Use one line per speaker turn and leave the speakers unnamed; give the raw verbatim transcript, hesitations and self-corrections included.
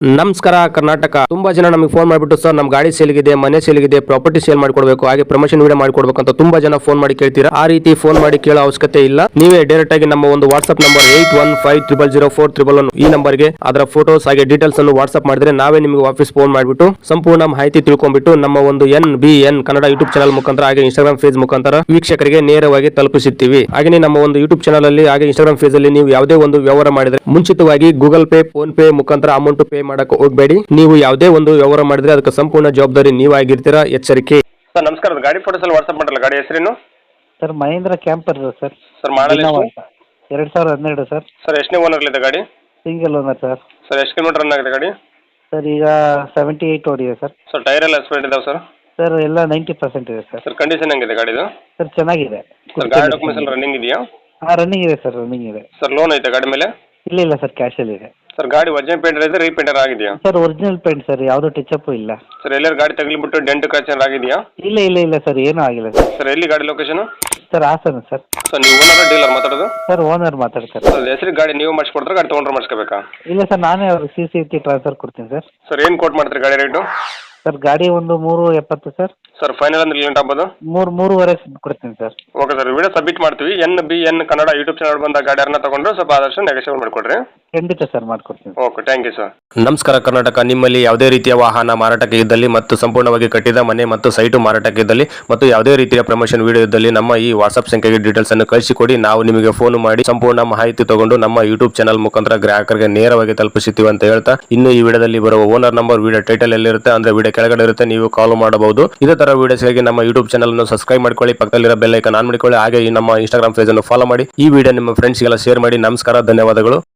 ನಮಸ್ಕಾರ ಕರ್ನಾಟಕ. ತುಂಬಾ ಜನ ನಮಗೆ ಫೋನ್ ಮಾಡಿಬಿಟ್ಟು ಸರ್ ನಮ್ಮ ಗಾಡಿ ಸೇಲ್ಗಿದೆ, ಮನೆ ಸೇಲ್ಗಿದೆ, ಪ್ರಾಪರ್ಟಿ ಸೇಲ್ ಮಾಡ್ಕೊಡ್ಬೇಕು, ಹಾಗೆ ಪ್ರಮೋಷನ್ ವಿಡಿಯೋ ಮಾಡ್ಕೊಡ್ಬೇಕು ಅಂತ ತುಂಬಾ ಜನ ಫೋನ್ ಮಾಡಿ ಕೇಳ್ತೀರಾ. ಆ ರೀತಿ ಫೋನ್ ಮಾಡಿ ಕೇಳೋ ಅವಶ್ಯಕತೆ ಇಲ್ಲ. ನೀವೇ ಡೈರೆಕ್ಟ್ ಆಗಿ ನಮ್ಮ ಒಂದು WhatsApp number eight one five triple zero four triple one ಈ ನಂಬರ್ಗೆ ಅದರ ಫೋಟೋಸ್ ಹಾಗೆ ಡೀಟೇಲ್ಸ್ ಅನ್ನು ವಾಟ್ಸ್ಆಪ್ ಮಾಡಿದ್ರೆ ನಾವೇ ನಿಮಗೆ ವಾಪಸ್ ಫೋನ್ ಮಾಡಿಬಿಟ್ಟು ಸಂಪೂರ್ಣ ಮಾಹಿತಿ ತಿಳ್ಕೊಂಡ್ಬಿಟ್ಟು ನಮ್ಮ ಒಂದು N B N Kannada YouTube channel ಮುಖಾಂತರ ಹಾಗೆ ಇನ್ಸ್ಟಾಗ್ರಾಮ್ ಫೇಸ್ ಮುಖಾಂತರ ವೀಕ್ಷಕರಿಗೆ ನೇರವಾಗಿ ತಲುಪಿಸುತ್ತೀವಿ. ಹಾಗೆ ನಮ್ಮ ಒಂದು ಯೂಟ್ಯೂಬ್ ಚಾನಲ್ ಅಲ್ಲಿ ಹಾಗೆ ಇನ್ಸ್ಟಾಗ್ರಾಮ್ ಫೇಸ್ ಅಲ್ಲಿ ನೀವು ಯಾವುದೇ ಒಂದು ವ್ಯವಹಾರ ಮಾಡಿದ್ರೆ ಮುಂಚಿತವಾಗಿ ಗೂಗಲ್ ಪೇ, ಫೋನ್ ಪೇ ಮುಖಾಂತರ ಅಮೌಂಟ್ ಪೇ ಮಾಡಕ್ಕೆ ಹೋಗಬೇಡಿ. ನೀವು ಯಾವುದೇ ಒಂದು ವ್ಯವಹಾರ ಮಾಡಿದ್ರೆ ಅದಕ್ಕೆ ಸಂಪೂರ್ಣ ಜವಾಬ್ದಾರಿ ನೀವಾಗಿರ್ತೀರಾ, ಎಚ್ಚರಿಕೆ. ಸರ್ ನಮಸ್ಕಾರ, ಗಾಡಿ ಫೋಟೋಸ್ ಎಲ್ಲ ವಾಟ್ಸ್ಆಪ್ ಮಾಡಲ್ಲ. ಗಾಡಿ ಹೆಸರೇನು
sir? Mahindra camper sir.
Sir model
ಎರಡು ಸಾವಿರದ ಹನ್ನೆರಡು ಸರ್.
ಸರ್ ಎಷ್ಟನೇ ಓನರ್ ಇದೆ ಗಾಡಿ?
Single owner sir.
ಸರ್ ಎಷ್ಟು ಕಿಲೋಮೀಟರ್ ರನ್ ಆಗಿದೆ ಗಾಡಿ?
ಸರ್ ಈಗ ಸೆವೆಂಟಿ ಏಯ್ಟ್ ಓಡಿದೆ ಸರ್.
ಸರ್ ಟೈರ್ ಎಲ್ಲ ಎಕ್ಸ್ಪೈರ್ಡ್ ಇದಾವೆ ಸರ್?
ಸರ್ ಎಲ್ಲ ನೈಂಟಿ ಪರ್ಸೆಂಟ್ ಇದೆ ಸರ್.
ಸರ್ ಕಂಡೀಷನ್ ಹೆಂಗಿದೆ ಗಾಡಿದು?
ಸರ್ ಚೆನ್ನಾಗಿದೆ.
ಸರ್ ಗಾಡಿ ಡಾಕ್ಯುಮೆಂಟ್ಸ್ ಎಲ್ಲ ರನ್ನಿಂಗ್ ಇದೆಯಾ?
ಹಾಂ ರನ್ನಿಂಗ್ ಇದೆ ಸರ್, ರನ್ನಿಂಗ್ ಇದೆ.
ಸರ್ ಲೋನ್ ಐತೆ ಗಾಡಿ ಮೇಲೆ?
ಇಲ್ಲ ಇಲ್ಲ ಸರ್, ಕ್ಯಾಶಲ್ಲಿ ಇದೆ.
ಸರ್ ಗಾಡಿ ಒರಿಜಿನಲ್ ಪೇಂಟರ್ ಇದೆ, ರೀಪೇಂಟರ್ ಆಗಿದೆಯಾ?
ಸರ್ ಒರಿಜಿನಲ್ ಪೇಂಟ್ ಸರ್, ಯಾವುದೋ ಟಚ್ ಇಲ್ಲ.
ಸರ್ ಎಲ್ಲರೂ ಗಾಡಿ ತಗಲಿಬಿಟ್ಟು ಡೆಂಟ್ ಕ್ರಾಚರ್ ಆಗಿದೆಯಾ?
ಇಲ್ಲ ಇಲ್ಲ ಇಲ್ಲ ಸರ್, ಏನೂ ಆಗಿಲ್ಲ ಸರ್.
ಸರ್ ಎಲ್ಲಿ ಗಾಡಿ location?
Sir Hassan sir.
Sir ನೀವು ಓನರ್ ಡೀಲರ್ ಮಾತಾಡೋದು?
ಸರ್ ಓನರ್ ಮಾತಾಡ್ತಾರೆ.
ಸರ್ ಹೆಸರಿಗೆ ಗಾಡಿ ನೀವು ಮಾಡಿಸ್ಕೊಡ್ತಾರೆ, ಗಾಡಿ ತೊಗೊಂಡ್ರೆ ಮಾಡಿಸ್ಕೋಬೇಕಾ?
ಇಲ್ಲ ಸರ್, ನಾನೇ ಅವ್ರಿಗೆ ಸಿ ಸಿ ಟಿ ಟ್ರಾನ್ಸ್ಫರ್ ಕೊಡ್ತೀನಿ ಸರ್.
ಸರ್ ಏನು ಕೋಟ್ ಮಾಡ್ತೀರಿ ಗಾಡಿ ರೇಟು?
ಸರ್ ಗಾಡಿ ಒಂದು ಮೂರು ಎಪ್ಪತ್ತು ಸರ್.
ಸರ್ ಫೈನಲ್ ಅಂದ್ರೆ ಲೇಟ್ ಆಗ್ಬೋದು?
ಮೂರು ಮೂರುವರೆ ಕೊಡ್ತೀನಿ sir.
Okay sir, video submit ಮಾಡ್ತೀವಿ. N B N Kannada YouTube channel ಬಂದ ಗಾಡಿಯನ್ನ ತಗೊಂಡ್ರೆ ಸ್ವಲ್ಪ ಆದಷ್ಟು ನೆಗೋಷಿಯೇಟ್ ಮಾಡಿಕೊಡ್ರಿ.
ಖಂಡಿತ ಸರ್, ಮಾಡ್ಕೊಡ್ತೀನಿ.
Okay, thank you sir. ನಮಸ್ಕಾರ ಕರ್ನಾಟಕ. ನಿಮ್ಮಲ್ಲಿ ಯಾವುದೇ ರೀತಿಯ ವಾಹನ ಮಾರಾಟಕ್ಕೆ ಇದ್ದಲ್ಲಿ ಮತ್ತು ಸಂಪೂರ್ಣವಾಗಿ ಕಟ್ಟಿದ ಮನೆ ಮತ್ತು ಸೈಟು ಮಾರಾಟಕ್ಕೆ ಇದ್ದಲ್ಲಿ ಮತ್ತು ಯಾವುದೇ ರೀತಿಯ ಪ್ರಮೋಷನ್ ವಿಡಿಯೋ ಇದ್ದಲ್ಲಿ ನಮ್ಮ ಈ ವಾಟ್ಸ್ಆಪ್ ಸಂಖ್ಯೆಗೆ ಡೀಟೇಲ್ಸ್ ಅನ್ನು ಕಳಿಸಿಕೊಡಿ. ನಾವು ನಿಮಗೆ ಫೋನ್ ಮಾಡಿ ಸಂಪೂರ್ಣ ಮಾಹಿತಿ ತಗೊಂಡು ನಮ್ಮ ಯೂಟ್ಯೂಬ್ ಚಾನಲ್ ಮುಖಾಂತರ ಗ್ರಾಹಕರಿಗೆ ನೇರವಾಗಿ ತಲುಪಿಸುತ್ತೀವಿ ಅಂತ ಹೇಳ್ತಾ, ಇನ್ನು ಈ ವಿಡಿಯೋದಲ್ಲಿ ಬರುವ ಓನರ್ ನಂಬರ್ ವಿಡಿಯೋ ಟೈಟಲ್ ಎಲ್ಲಿರುತ್ತೆ ಅಂದ್ರೆ ವಿಡಿಯೋ ಕೆಳಗಡೆ ಇರುತ್ತೆ, ನೀವು ಕಾಲ್ ಮಾಡಬಹುದು. ಇದೇ ತರ ವಿಡಿಯೋಸ್ಗಾಗಿ ನಮ್ಮ ಯೂಟ್ಯೂಬ್ ಚಾನಲ್ ಅನ್ನು ಸಬ್ಸ್ಕ್ರೈಬ್ ಮಾಡ್ಕೊಳ್ಳಿ, ಪಕ್ಕದಲ್ಲಿರೋ ಬೆಲ್ ಐಕಾನ್ ಆನ್ ಮಾಡಿಕೊಳ್ಳಿ, ಹಾಗೆ ಈ ನಮ್ಮ ಇನ್ಸ್ಟಾಗ್ರಾಮ್ ಪೇಜ್ ಅನ್ನು ಫಾಲೋ ಮಾಡಿ. ಈ ವಿಡಿಯೋ ನಿಮ್ಮ ಫ್ರೆಂಡ್ಸ್ಗೆಲ್ಲ ಶೇರ್ ಮಾಡಿ. ನಮಸ್ಕಾರ, ಧನ್ಯವಾದಗಳು.